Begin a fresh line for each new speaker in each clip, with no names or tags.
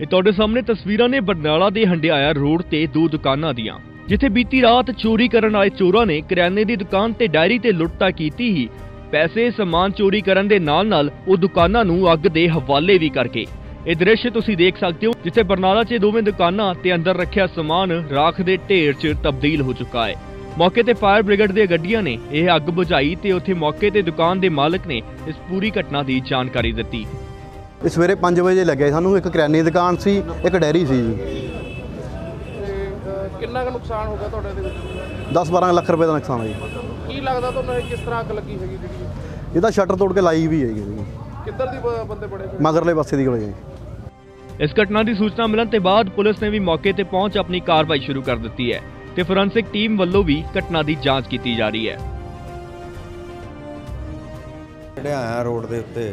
ਇਹ ਤੁਹਾਡੇ ਸਾਹਮਣੇ ਤਸਵੀਰਾਂ ਨੇ ਬਰਨਾਲਾ ਦੇ ਹੰਡਿਆਇਆ ਰੋਡ ਤੇ ਦੋ ਦੁਕਾਨਾਂ ਦੀਆਂ, ਜਿੱਥੇ ਬੀਤੀ ਰਾਤ ਚੋਰੀ ਕਰਨ ਆਏ ਚੋਰਾਂ ਨੇ ਕਰਿਆਨੇ ਦੀ ਦੁਕਾਨ ਤੇ ਡਾਇਰੀ ਤੇ ਲੁੱਟਤਾ ਕੀਤੀ ਹੀ ਪੈਸੇ ਸਮਾਨ ਚੋਰੀ ਕਰਨ ਦੇ ਨਾਲ ਉਹ ਦੁਕਾਨਾਂ ਨੂੰ ਅੱਗ ਦੇ ਹਵਾਲੇ ਵੀ ਕਰਕੇ। ਇਹ ਦ੍ਰਿਸ਼ ਤੁਸੀਂ ਦੇਖ ਸਕਦੇ ਹੋ, ਜਿੱਥੇ ਬਰਨਾਲਾ 'ਚ ਦੋਵੇਂ ਦੁਕਾਨਾਂ ਤੇ ਅੰਦਰ ਰੱਖਿਆ ਸਮਾਨ ਰਾਖ ਦੇ ਢੇਰ 'ਚ ਤਬਦੀਲ ਹੋ ਚੁੱਕਾ ਹੈ। मौके ते फायर ब्रिगेड ਦੀਆਂ ਗੱਡੀਆਂ ਨੇ ਇਹ ਅੱਗ ਬੁਝਾਈ ਤੇ ਉੱਥੇ ਮੌਕੇ ਤੇ ਦੁਕਾਨ ਦੇ ਮਾਲਕ ਨੇ ਇਸ ਪੂਰੀ ਘਟਨਾ ਦੀ ਜਾਣਕਾਰੀ ਦਿੱਤੀ।
ਸਵੇਰੇ 5 ਵਜੇ ਲੱਗਿਆ ਸਾਨੂੰ, ਇੱਕ ਕਰਿਆਨੇ ਦੀ ਦੁਕਾਨ ਸੀ, ਇੱਕ ਡੈਰੀ ਸੀ ਜੀ।
ਕਿੰਨਾ ਕੁ ਨੁਕਸਾਨ ਹੋ ਗਿਆ ਤੁਹਾਡੇ ਦੇ ਵਿੱਚ?
10-12 ਲੱਖ ਰੁਪਏ ਦਾ ਨੁਕਸਾਨ ਹੈ ਜੀ।
ਕੀ ਲੱਗਦਾ ਤੁਹਾਨੂੰ ਇਹ ਕਿਸ ਤਰ੍ਹਾਂ ਅੱਗ ਲੱਗੀ ਹੈਗੀ ਜਿਹੜੀ?
ਇਹਦਾ ਸ਼ਟਰ ਤੋੜ ਕੇ ਲਾਈ ਵੀ ਹੈਗੀ ਜੀ।
ਕਿੱਧਰ ਦੀ ਬੰਦੇ ਬੜੇ?
ਮਗਰਲੇ ਪਾਸੇ ਦੀ ਗਲੀ।
ਇਸ ਘਟਨਾ ਦੀ ਸੂਚਨਾ ਮਿਲਣ ਤੇ ਬਾਅਦ ਪੁਲਿਸ ਨੇ ਵੀ ਮੌਕੇ ਤੇ ਪਹੁੰਚ ਆਪਣੀ ਕਾਰਵਾਈ ਸ਼ੁਰੂ ਕਰ ਦਿੱਤੀ ਹੈ ਤੇ ਫੋਰੈਂਸਿਕ ਟੀਮ ਵੱਲੋਂ ਵੀ ਘਟਨਾ ਦੀ ਜਾਂਚ ਕੀਤੀ ਜਾ ਰਹੀ ਹੈ।
ਹੰਡਿਆਇਆ ਰੋਡ ਦੇ ਉੱਤੇ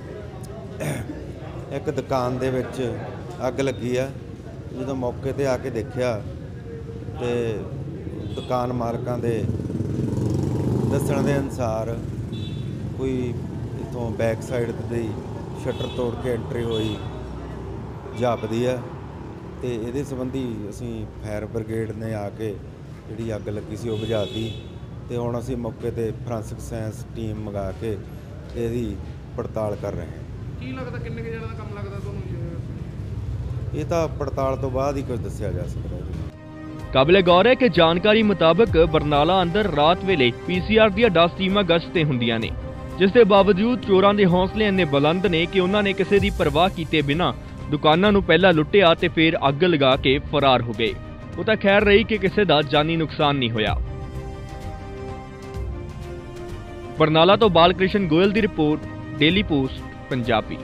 ਇੱਕ ਦੁਕਾਨ ਦੇ ਵਿੱਚ ਅੱਗ ਲੱਗੀ ਆ। ਜਦੋਂ ਮੌਕੇ ਤੇ ਆ ਕੇ ਦੇਖਿਆ ਤੇ ਦੁਕਾਨ ਮਾਲਕਾਂ ਦੇ ਦੱਸਣ ਦੇ ਅਨੁਸਾਰ ਕੋਈ ਇਥੋਂ ਬੈਕ ਸਾਈਡ ਤੇ ਸ਼ਟਰ ਤੋੜ ਕੇ ਐਂਟਰੀ ਹੋਈ ਜਾਪਦੀ ਆ ਤੇ ਇਹਦੇ ਸੰਬੰਧੀ ਅਸੀਂ ਫਾਇਰ ਬ੍ਰਿਗੇਡ ਨੇ ਆ ਕੇ ਜਿਹੜੀ ਅੱਗ ਲੱਗੀ ਸੀ ਉਹ ਬੁਝਾਤੀ ਤੇ ਹੁਣ ਅਸੀਂ ਮੌਕੇ ਤੇ ਫੋਰੈਂਸਿਕ ਸਾਇੰਸ ਟੀਮ ਮੰਗਾ ਕੇ ਇਹਦੀ ਪੜਤਾਲ ਕਰ ਰਹੇ ਹਾਂ।
ਕੀ ਲੱਗਦਾ ਕਿੰਨੇ ਕੁ ਜਣਾਂ ਦਾ ਕੰਮ ਲੱਗਦਾ ਤੁਹਾਨੂੰ?
ਇਹ ਤਾਂ ਪੜਤਾਲ ਤੋਂ ਬਾਅਦ ਹੀ ਕੁਝ ਦੱਸਿਆ ਜਾ ਸਕਦਾ ਹੈ।
ਕਾਬਿਲੇ ਗੌਰ ਹੈ ਕਿ ਜਾਣਕਾਰੀ ਮੁਤਾਬਕ ਬਰਨਾਲਾ ਅੰਦਰ ਰਾਤ ਵੇਲੇ PCR ਦੀਆਂ 10 ਟੀਮਾਂ ਗਸ਼ਤ ਤੇ ਹੁੰਦੀਆਂ ਨੇ, ਜਿਸ ਦੇ ਬਾਵਜੂਦ ਚੋਰਾਂ ਦੇ ਹੌਸਲੇ ਇੰਨੇ ਬੁਲੰਦ ਨੇ ਕਿ ਉਹਨਾਂ ਨੇ ਕਿਸੇ ਦੀ ਪਰਵਾਹ ਕੀਤੇ ਬਿਨਾਂ ਦੁਕਾਨਾਂ ਨੂੰ ਪਹਿਲਾਂ ਲੁੱਟਿਆ ਤੇ ਫਿਰ ਅੱਗ ਲਗਾ ਕੇ ਫਰਾਰ ਹੋ ਗਏ। ਉਹ ਤਾਂ ਖੈਰ ਰਹੀ ਕਿ ਕਿਸੇ ਦਾ ਜਾਨੀ ਨੁਕਸਾਨ ਨਹੀਂ ਹੋਇਆ। ਬਰਨਾਲਾ ਤੋਂ ਬਾਲਕ੍ਰਿਸ਼ਨ ਗੋਇਲ ਦੀ ਰਿਪੋਰਟ, ਡੇਲੀ ਪੋਸਟ ਪੰਜਾਬੀ।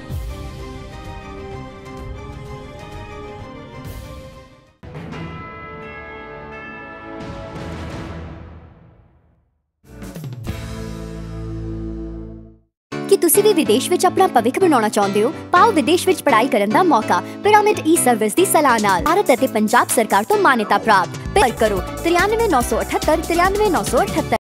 कि तुसी भी विदेश विच अपना भविख बनाना चाहते हो? पाओ विदेश विच पढ़ाई करन दा मौका पिरामिड ई सर्विस दी सलाह नाल। भारत अते पंजाब सरकार तो मान्यता प्राप्त। पर करो 93 978 93 978।